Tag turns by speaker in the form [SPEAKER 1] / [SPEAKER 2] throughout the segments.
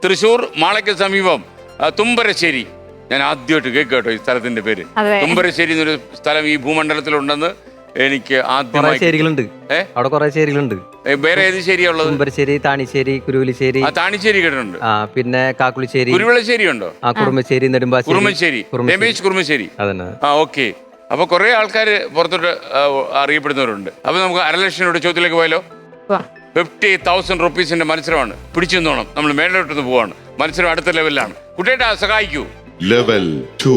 [SPEAKER 1] തൃശ്ശൂർ മാളയ്ക്ക് സമീപം തുമ്പരശ്ശേരി. ഞാൻ ആദ്യമായിട്ട് കേട്ടോ ഈ സ്ഥലത്തിന്റെ പേര്. തുമ്പരശ്ശേരി എന്നൊരു സ്ഥലം ഈ ഭൂമണ്ഡലത്തിലുണ്ടെന്ന് എനിക്ക് ആദ്യമായി.
[SPEAKER 2] ശേരികളുണ്ട് അവിടെ കുറെ ശേരികളുണ്ട്.
[SPEAKER 1] വേറെ ഏത് ശേരിയാ ഉള്ളത്?
[SPEAKER 2] തുമ്പരശ്ശേരി, താണിശ്ശേരി, കുരുവലിശ്ശേരി.
[SPEAKER 1] താണിശ്ശേരി കേട്ടിട്ടുണ്ട്.
[SPEAKER 2] പിന്നെ കാക്കുളിശ്ശേരി,
[SPEAKER 1] കുരുവിളശ്ശേരി ഉണ്ടോ?
[SPEAKER 2] കുറുമശ്ശേരി, നെടുമ്പാശ്ശേരി,
[SPEAKER 1] കുറുമശ്ശേരി, രമേശ് കുറുമശ്ശേരി.
[SPEAKER 2] അതന്നെ.
[SPEAKER 1] ഓക്കെ. അപ്പൊ കുറെ ആൾക്കാർ പുറത്തോട്ട് അറിയപ്പെടുന്നവരുണ്ട്. അപ്പൊ നമുക്ക് 1.5 ലക്ഷം രൂപയുടെ ചോദ്യത്തിലേക്ക് പോയാലോ? 50,000 റുപ്പീസിന്റെ മത്സരമാണ്. പിടിച്ചു നിന്നോണം. നമ്മൾ മേലോട്ടൊന്ന് പോവാണ്. മത്സരം അടുത്ത ലെവലിലാണ്. കുട്ടിയേട്ടാ സഹായിക്കൂ.
[SPEAKER 3] ലെവൽ 2.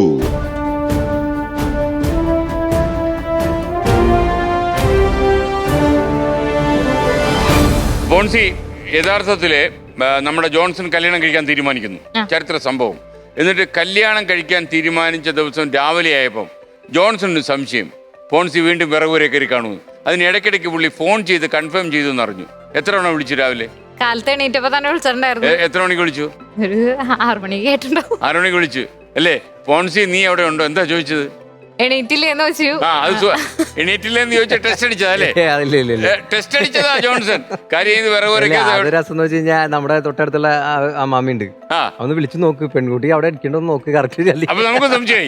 [SPEAKER 1] ബോൺസി, യഥാർത്ഥത്തില് നമ്മുടെ ജോൺസൺ കല്യാണം കഴിക്കാൻ തീരുമാനിക്കുന്നു. ചരിത്ര സംഭവം. എന്നിട്ട് കല്യാണം കഴിക്കാൻ തീരുമാനിച്ച ദിവസം രാവിലെ ആയപ്പം ജോൺസണിന് സംശയം. ബോൺസി വീണ്ടും വിറകുവരെ കയറി കാണുന്നു. അതിന് ഇടയ്ക്കിടയ്ക്ക് പുള്ളി ഫോൺ ചെയ്ത് കൺഫേം ചെയ്തു എന്നറിഞ്ഞു. എത്ര തവണ വിളിച്ചു രാവിലെ?
[SPEAKER 4] കാലത്ത് എണീറ്റപ്പോ തന്നെ വിളിച്ചിട്ടുണ്ടായിരുന്നു.
[SPEAKER 1] എത്ര മണിക്ക് വിളിച്ചു?
[SPEAKER 4] ഒരു 6 മണിക്ക് കേട്ടിട്ടുണ്ടാവും.
[SPEAKER 1] 6 മണിക്ക് വിളിച്ചു അല്ലേ? ബോൺസി നീ അവിടെ ഉണ്ടോ? എന്താ ചോദിച്ചത്?
[SPEAKER 4] എണീറ്റില്ലേന്ന് വെച്ചു.
[SPEAKER 1] എണീറ്റില്ലെന്ന് ചോദിച്ചാൽ ടെസ്റ്റ് അടിച്ചതാ അല്ലേ? ടെസ്റ്റ് അടിച്ചതാ ജോൺസൺ. കാര്യം
[SPEAKER 2] രസം എന്ന് വെച്ച് കഴിഞ്ഞാൽ നമ്മുടെ തൊട്ടടുത്തുള്ള അമ്മാമ്മയുണ്ട്. ഒന്ന് വിളിച്ചു നോക്ക്, പെൺകുട്ടി അവിടെ ഇരിക്കണ്ടോ നോക്ക്. കറക്റ്റ്
[SPEAKER 1] അപ്പൊ നമുക്ക് സംശയമായി.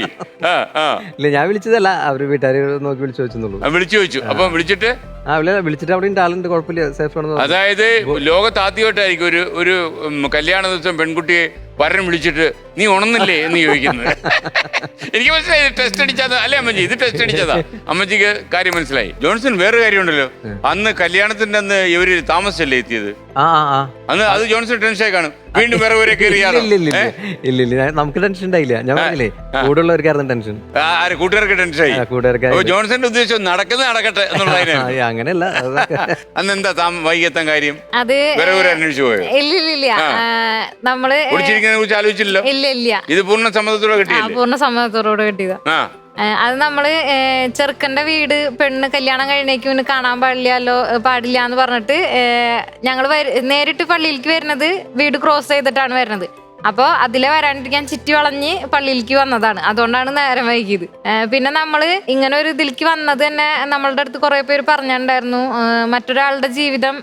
[SPEAKER 2] ഇല്ല, ഞാൻ വിളിച്ചതല്ല, അവര് വീട്ടുകാർ നോക്കി വിളിച്ചു ചോദിച്ചെന്നുള്ളൂ.
[SPEAKER 1] വിളിച്ചു ചോദിച്ചു. അപ്പൊ വിളിച്ചിട്ട്
[SPEAKER 2] വിളിച്ചിട്ട് അവിടെ ആളുണ്ട്, കുഴപ്പമില്ല, സേഫ് ആണെന്ന്.
[SPEAKER 1] അതായത് ലോകത്ത് ആദ്യമായിട്ടായിരിക്കും ഒരു കല്യാണ ദിവസം പെൺകുട്ടിയെ വരൻ വിളിച്ചിട്ട് നീ ഉണന്നില്ലേ എന്ന് ചോദിക്കുന്നത്. എനിക്ക് മനസ്സിലായി ടെസ്റ്റ് അടിച്ചതാ അല്ലേ അമ്മച്ചി? ഇത് ടെസ്റ്റ് അടിച്ചതാ. അമ്മച്ചിക്ക് കാര്യം മനസ്സിലായി. ജോൺസൺ വേറെ കാര്യമുണ്ടല്ലോ, അന്ന് കല്യാണത്തിന്റെ അന്ന് ഇവര് താമസിച്ചല്ലേ എത്തിയത്? അന്ന് അത് ജോൺസൺ ടെൻഷനായി കാണും. വീണ്ടും വേറെ വരെ കയറിയാലോ?
[SPEAKER 2] ഇല്ല, നമുക്ക് ടെൻഷൻ ഉണ്ടായില്ല. ഞാൻ പറഞ്ഞില്ലേ, കൂടെയുള്ളവർക്കായിരുന്നു ടെൻഷൻ.
[SPEAKER 1] കൂട്ടുകാർക്ക് ടെൻഷനായി.
[SPEAKER 2] കൂട്ടുകാർക്ക്
[SPEAKER 1] ജോൺസന്റെ ഉദ്ദേശം നടക്കട്ടെ എന്നുള്ളതിനാണ്.
[SPEAKER 2] അങ്ങനെയല്ല.
[SPEAKER 1] അന്ന് എന്താ വൈകിയെത്താൻ കാര്യം?
[SPEAKER 4] അത്
[SPEAKER 1] വേറെ അന്വേഷിച്ചു പോയോ?
[SPEAKER 4] ഇല്ല, നമ്മള്
[SPEAKER 1] കുറിച്ച് ആലോചിച്ചില്ലല്ലോ.
[SPEAKER 4] ഇല്ല,
[SPEAKER 1] ഇത് പൂർണ്ണ സമ്മതത്തോടെ കിട്ടിയില്ലേ?
[SPEAKER 4] പൂർണ്ണ സമ്മതത്തോടെ കിട്ടിയതാ. അത് നമ്മള് ചെറുക്കന്റെ വീട് പെണ്ണ് കല്യാണം കഴിഞ്ഞേക്ക് പിന്നെ കാണാൻ പാടില്ല എന്ന് പറഞ്ഞിട്ട് ഞങ്ങള് നേരിട്ട് പള്ളിയിലേക്ക് വരുന്നത് വീട് ക്രോസ് ചെയ്തിട്ടാണ് വരുന്നത്. അപ്പോൾ അതിലെ വരാണ്ടിരിക്കാൻ ചുറ്റി വളഞ്ഞ് പള്ളിയിലേക്ക് വന്നതാണ്. അതുകൊണ്ടാണ് നേരം വൈകിയത്. പിന്നെ നമ്മള് ഇങ്ങനെ ഒരു ഇതിലേക്ക് വന്നത് തന്നെ നമ്മളുടെ അടുത്ത് കുറെ പേര് പറഞ്ഞിട്ടുണ്ടായിരുന്നു, മറ്റൊരാളുടെ ജീവിതം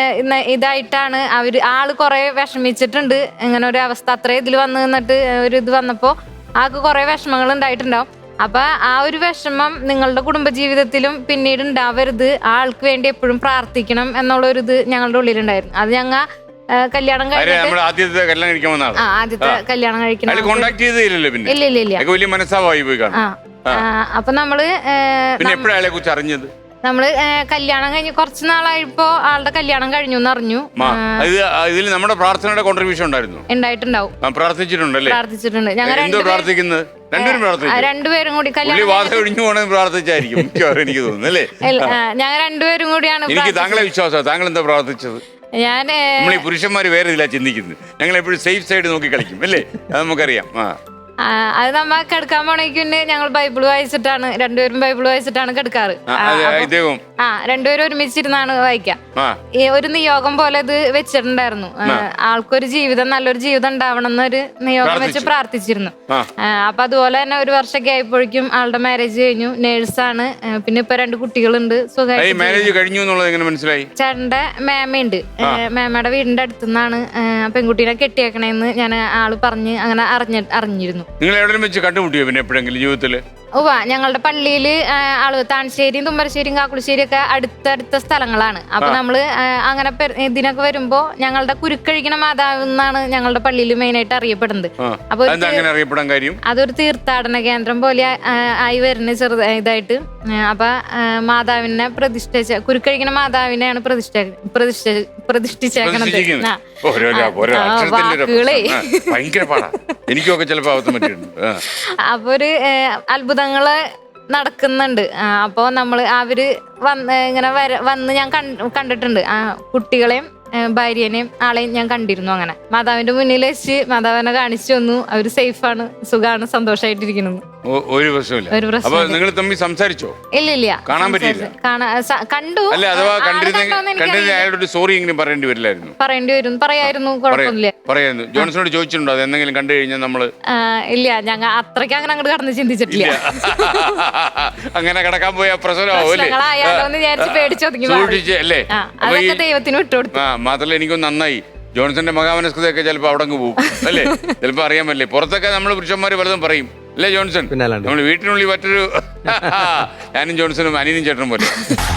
[SPEAKER 4] ഇതായിട്ടാണ് ആള് കുറെ വിഷമിച്ചിട്ടുണ്ട്. ഇങ്ങനെ ഒരു അവസ്ഥ അത്രയും ഇതിൽ വന്ന് നിന്നിട്ട് ഒരു ഇത് വന്നപ്പോ ആൾക്ക് കുറെ വിഷമങ്ങൾ ഉണ്ടായിട്ടുണ്ടാവും. അപ്പൊ ആ ഒരു വിഷമം നിങ്ങളുടെ കുടുംബജീവിതത്തിലും പിന്നീട് ഉണ്ടാവരുത്, ആൾക്ക് വേണ്ടി എപ്പോഴും പ്രാർത്ഥിക്കണം എന്നുള്ള ഒരു ഇത് ഞങ്ങളുടെ ഉള്ളിലുണ്ടായിരുന്നു. അത് ഞങ്ങൾ കല്യാണം കഴിഞ്ഞിട്ട്
[SPEAKER 1] ആദ്യത്തെ
[SPEAKER 4] കല്യാണം കഴിക്കണം. ഇല്ല. അപ്പൊ നമ്മള് നമ്മള് കല്യാണം കഴിഞ്ഞ് കുറച്ച് നാളായപ്പോ ആളുടെ കല്യാണം കഴിഞ്ഞു എന്നറിഞ്ഞു.
[SPEAKER 1] നമ്മുടെ പ്രാർത്ഥനയുടെ കോൺട്രിബ്യൂഷൻ
[SPEAKER 4] ഉണ്ടായിട്ടുണ്ടാവും. പ്രാർത്ഥിച്ചിട്ടുണ്ട്. ഞങ്ങൾ രണ്ടുപേരും കൂടി ഞങ്ങൾ രണ്ടുപേരും കൂടിയാണ്.
[SPEAKER 1] എനിക്ക് താങ്കളെ വിശ്വാസം. താങ്കൾ എന്താ പ്രാർത്ഥിച്ചത്? നമ്മൾ ഈ പുരുഷന്മാര് വേറെ ഇതിലാ ചിന്തിക്കുന്നത്. ഞങ്ങൾ എപ്പോഴും സേഫ് സൈഡ് നോക്കി കളിക്കും അല്ലേ? അത് നമുക്കറിയാം.
[SPEAKER 4] അത് നമ്മ കിടക്കാൻ പോണേക്കുണ്ട് ഞങ്ങൾ ബൈബിൾ വായിച്ചിട്ടാണ്, രണ്ടുപേരും ബൈബിൾ വായിച്ചിട്ടാണ് കിടക്കാറ്. രണ്ടുപേരും ഒരുമിച്ചിരുന്നാണ് വായിക്കാം. ഈ ഒരു നിയോഗം പോലെ ഇത് വെച്ചിട്ടുണ്ടായിരുന്നു. ആൾക്കൊരു ജീവിതം, നല്ലൊരു ജീവിതം ഉണ്ടാവണം എന്നൊരു നിയോഗം വെച്ച് പ്രാർത്ഥിച്ചിരുന്നു. അപ്പൊ അതുപോലെ തന്നെ 1 വർഷമൊക്കെ ആയപ്പോഴേക്കും ആളുടെ മാരേജ് കഴിഞ്ഞു. നേഴ്സാണ്. പിന്നെ ഇപ്പൊ 2 കുട്ടികളുണ്ട്. സുഖമായി. ചേട്ടന്റെ മേമയുണ്ട്. മേമയുടെ വീടിന്റെ അടുത്തുനിന്നാണ് പെൺകുട്ടീനെ കെട്ടിയേക്കണേന്ന് ഞാൻ ആള് പറഞ്ഞ് അങ്ങനെ അറിഞ്ഞിരുന്നു.
[SPEAKER 1] നിങ്ങൾ എവിടെയും വെച്ച് കണ്ടുമുട്ടിയോ പിന്നെ എപ്പോഴെങ്കിലും ജീവിതത്തില്?
[SPEAKER 4] ഞങ്ങളുടെ പള്ളിയില് താണശ്ശേരിയും തുമ്പരശ്ശേരിയും കാക്കുളശ്ശേരിയും ഒക്കെ അടുത്തടുത്ത സ്ഥലങ്ങളാണ്. അപ്പൊ നമ്മള് അങ്ങനെ ഇതിനൊക്കെ വരുമ്പോ ഞങ്ങളുടെ കുരുക്കഴിക്കണ മാതാവ് എന്നാണ് ഞങ്ങളുടെ പള്ളിയിൽ മെയിൻ ആയിട്ട് അറിയപ്പെടുന്നത്. അപ്പൊ അതൊരു തീർത്ഥാടന കേന്ദ്രം പോലെ ആയി വരുന്ന ഇതായിട്ട്. അപ്പൊ മാതാവിനെ കുരുക്കഴിക്കണ മാതാവിനെയാണ് പ്രതിഷ്ഠിച്ചേക്കണത്. അപ്പൊ ഒരു അത്ഭുതങ്ങള് നടക്കുന്നുണ്ട്. അപ്പോ നമ്മള് അവര് വന്ന് ഞാൻ കണ്ടിട്ടുണ്ട്. കുട്ടികളെയും ഭാര്യനെയും ആളെയും ഞാൻ കണ്ടിരുന്നു. അങ്ങനെ മാതാവിന്റെ മുന്നിൽ വെച്ച് മാതാവിനെ കാണിച്ചു തന്നു. അവര് സേഫാണ്, സുഖാണ്, സന്തോഷമായിട്ടിരിക്കുന്നു.
[SPEAKER 1] ഒരു പ്രശ്നമില്ല. നിങ്ങൾ തമ്മിൽ സംസാരിച്ചോ?
[SPEAKER 4] ഇല്ല,
[SPEAKER 1] കാണാൻ പറ്റിയില്ല.
[SPEAKER 4] കണ്ടു. പറയേണ്ടി വരും. പറയായിരുന്നു. കുഴപ്പമില്ല.
[SPEAKER 1] ജോൺസണോട് ചോദിച്ചിട്ടുണ്ടോ അത് എന്തെങ്കിലും കണ്ടു കഴിഞ്ഞാൽ നമ്മള്?
[SPEAKER 4] ഇല്ല, ഞങ്ങൾ അത്രയ്ക്ക് അങ്ങനെ അങ്ങോട്ട് കടന്ന് ചിന്തിച്ചിട്ടില്ല.
[SPEAKER 1] അങ്ങനെ കിടക്കാൻ പോയ പ്രശ്നമാവൂല്ലേ?
[SPEAKER 4] പേടിച്ചൊതുങ്ങി ദൈവത്തിന് വിട്ടുകൊടുത്തു.
[SPEAKER 1] മാത്രമല്ല എനിക്കൊന്ന് നന്നായി ജോൺസന്റെ മഹാമനസ്കതയൊക്കെ ചിലപ്പോൾ അവിടെ അങ്ങ് പോകും അല്ലേ? ചിലപ്പോൾ അറിയാൻ പറ്റില്ലേ. പുറത്തൊക്കെ നമ്മൾ പുരുഷന്മാർ പലതും പറയും അല്ലേ ജോൺസൺ? നമ്മൾ വീട്ടിനുള്ളിൽ മറ്റൊരു ഞാനും ജോൺസണും അനിയനും ചേട്ടനും പോലെ.